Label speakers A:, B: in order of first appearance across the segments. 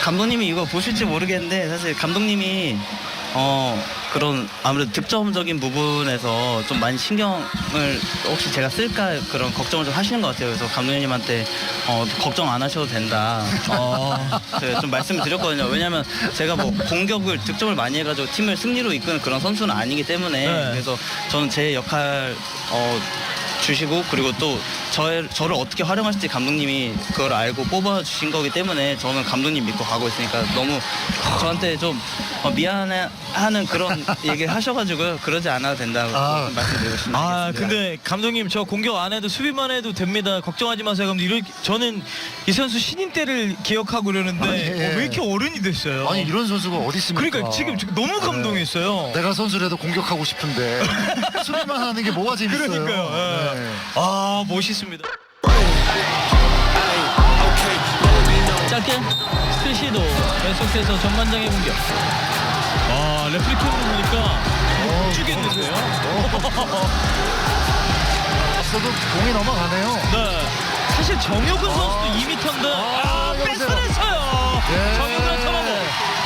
A: 감독님이 이거 보실지 모르겠는데 사실 감독님이 그런 아무래도 득점적인 부분에서 좀 많이 신경을 혹시 제가 쓸까 그런 걱정을 좀 하시는 것 같아요. 그래서 감독님한테 걱정 안 하셔도 된다. 제가 좀 말씀을 드렸거든요. 왜냐하면 제가 뭐 공격을 득점을 많이 해가지고 팀을 승리로 이끄는 그런 선수는 아니기 때문에 그래서 저는 제 역할 주시고 그리고 또 저를 어떻게 활용하실지 감독님이 그걸 알고 뽑아주신 거기 때문에 저는 감독님 믿고 가고 있으니까 너무 저한테 좀 미안해하는 그런 얘기를 하셔가지고 그러지 않아도 된다고 말씀드리고 싶습니다.
B: 근데 감독님 저 공격 안 해도 수비만 해도 됩니다. 걱정하지 마세요. 그럼 저는 이 선수 신인 때를 기억하고 그러는데 왜 이렇게 어른이 됐어요?
C: 아니 이런 선수가 어디 있습니까?
B: 그러니까 지금 너무 감동했어요.
C: 내가 선수라도 공격하고 싶은데 수비만 하는 게 뭐가 재밌어요?
B: 그러니까요. 멋있습니다. 짧게 스틸 시도 계속해서 전반장의 공격. 레프리킹으로 보니까 죽겠는데요.
C: 앞서도 공이 넘어가네요.
B: 네. 사실 정혁은 선수도 2m인데 뺏어냈어요. 정혁은 터너버.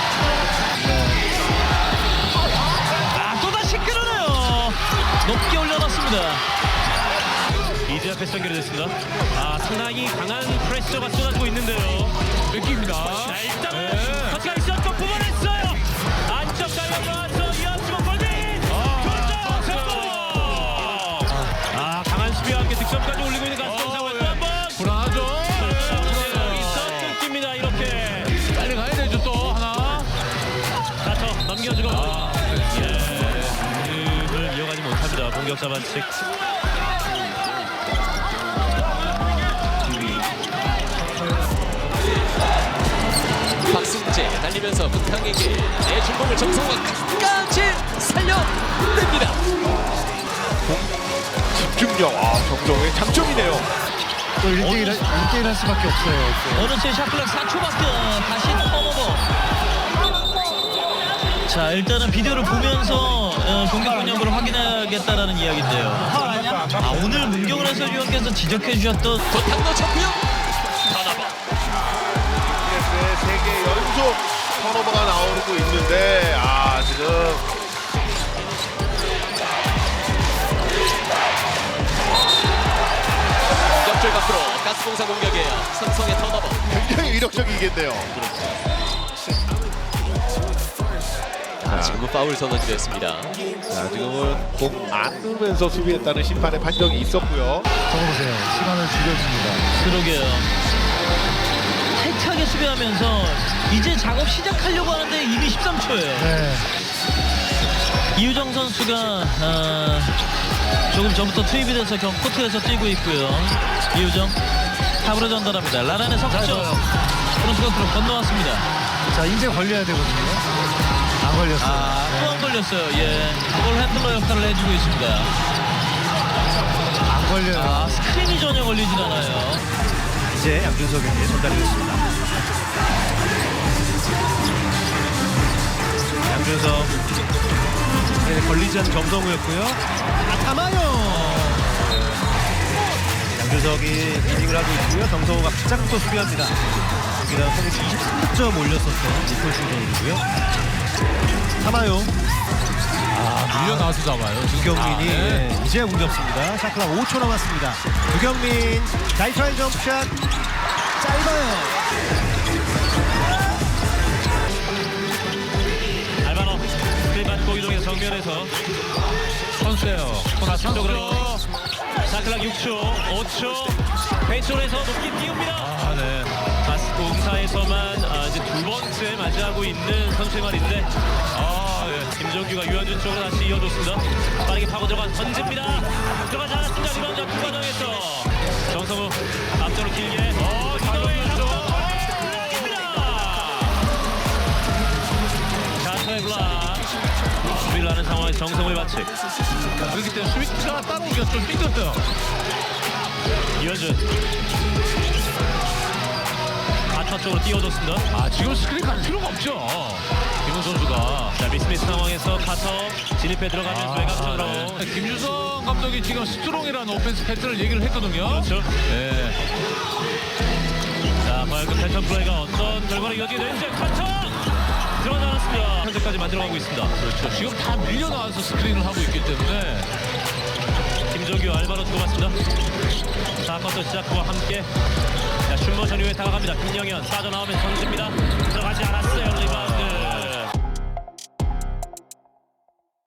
B: 또다시 끌어내요. 높게 올려놨습니다. 이제 앞에 연결됐습니다. 상당히 강한 프레셔가 쏟아지고 있는데요. 뺏깁니다. 자, 일단은 터치가 있었고 뽑아냈어요. 안쪽 달려 나와서 이어지고 골밑. 교정 성공. 강한 수비와 함께 득점까지 올리고 있는 가스공사와 또 한번 불안하죠. 여기서 끊깁니다. 이렇게 빨리 가야 되죠. 또 하나. 다쳐 넘겨주고. 흐름을 이어가지 못합니다. 공격자 반칙.
D: 박승재 달리면서 북탕에게 내준 공을 정성호가 끝까지 살려냅니다.
E: 집중력, 정정의 장점이네요.
C: 또 1대1 할 수밖에 없어요.
B: 어느새 샤클락 4초밖에 다시 턴오버. 자, 일단은 비디오를 보면서 공격 운영을 확인해야겠다라는 이야기인데요. 오늘 문경을 해설위원께서 지적해 주셨던
D: 도탕 놓쳤고요.
E: 세 개 연속 턴오버가 나오고 있는데 지금
D: 옆줄 밖으로 가스공사 공격이에요. 삼성의 턴오버.
E: 굉장히 위력적이겠네요.
D: 지금은 파울 선언이 됐습니다.
E: 지금은 공 안 누면서 수비했다는 심판의 판정이 있었고요.
C: 적어보세요. 시간을 줄여줍니다.
B: 그러게요. 세차게 수비하면서 이제 작업 시작하려고 하는데 이미 13초예요.
C: 네.
B: 이유정 선수가 조금 전부터 투입이 돼서 코트에서 뛰고 있고요. 이유정 탑으로 전달합니다. 라란의 석점. 프론트가 건너왔습니다.
C: 자, 이제 걸려야 되거든요. 안 걸렸어요.
B: 또 안 걸렸어요. 볼 핸들러 역할을 해주고 있습니다.
C: 안 걸려요.
B: 스크린이 전혀 걸리진 않아요.
F: 이제 양준석에게 전달이 됐습니다. 양준석 걸리지 않은 정성우였고요. 담아요. 양준석이 리딩을 하고 있고요. 정성우가 가장 또 수비합니다. 여기다 성공시 23점 올렸었던 니콜 선수이고요. 담아요.
G: 밀려나와서 잡아요.
F: 두경민이 이제 공 잡습니다. 샤클락 5초 남았습니다. 두경민 나이트라인 점프샷 짧아요.
B: 알바노 스크린 받고 이동해서 정면에서 선수예요. 코나 쪽으로 샤클락 6초 5초 왼쪽에서 높게 띄웁니다.
F: 네.
B: 가스공사에서만 이제 두 번째 맞이하고 있는 선수의 말인데 김정규가 유현준 쪽으로 다시 이어줬습니다. 빠르게 파고 들어간 선제입니다. 들어가지 않았습니다. 리바운드 그 과정에서 정성우 앞쪽으로 길게 이동해서 자타의 블락 수비를 하는 상황에서 정성우의 반칙.
G: 그렇기 때문에 수비가 따라오기가 좀 삐끗해요.
B: 유현준 아차 쪽으로 띄워줬습니다.
G: 지금 스크린 갈 필요가 없죠. 김훈 선수가.
B: 자, 미스미스 상황에서 카터 진입해 들어가면서 외곽쪽으로.
G: 김주성 감독이 지금 스트롱이라는 오펜스 패턴을 얘기를 했거든요.
B: 그렇죠.
G: 네.
B: 자, 과연 그 패턴 플레이가 어떤 결과로 이어지게 되는지 커터 들어가지 않았습니다. 현재까지 만들어가고 있습니다.
G: 그렇죠. 지금 다 밀려나와서 스크린을 하고 있기 때문에
B: 김정규 알바로 주고 맞습니다. 4쿼터 시작과 함께 자, 슛모션 이후에 다가갑니다. 김영현 빠져나오면 던집니다.